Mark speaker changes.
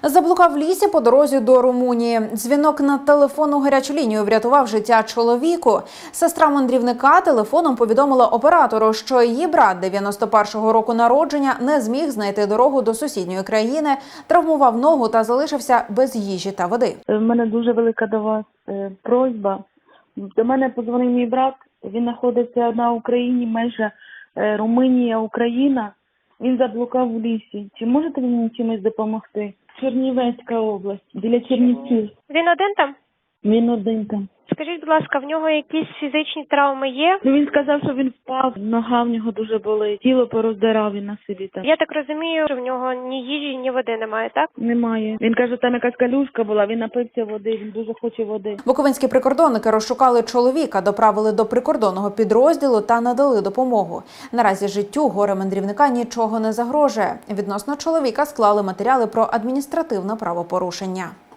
Speaker 1: Заблукав в лісі по дорозі до Румунії. Дзвінок на телефонну гарячу лінію врятував життя чоловіку. Сестра мандрівника телефоном повідомила оператору, що її брат 91-го року народження не зміг знайти дорогу до сусідньої країни, травмував ногу та залишився без їжі та води.
Speaker 2: У мене дуже велика до вас просьба. До мене подзвонив мій брат, він знаходиться на Україні, межа Румунія-Україна. Він заблукав в лісі. Чи можете ви мені чимось допомогти? Чернівецька область, біля Чернівців.
Speaker 3: Він один там?
Speaker 2: Він один там.
Speaker 3: Скажіть, будь ласка, в нього якісь фізичні травми є?
Speaker 2: Він сказав, що він впав, нога в нього дуже болить, тіло пороздирав він на собі там.
Speaker 3: Я так розумію, що в нього ні їжі, ні води немає, так?
Speaker 2: Немає. Він каже, там якась калюшка була, він напився води, він дуже хоче води.
Speaker 1: Буковинські прикордонники розшукали чоловіка, доправили до прикордонного підрозділу та надали допомогу. Наразі життю горе-мандрівника нічого не загрожує. Відносно чоловіка склали матеріали про адміністративне правопорушення.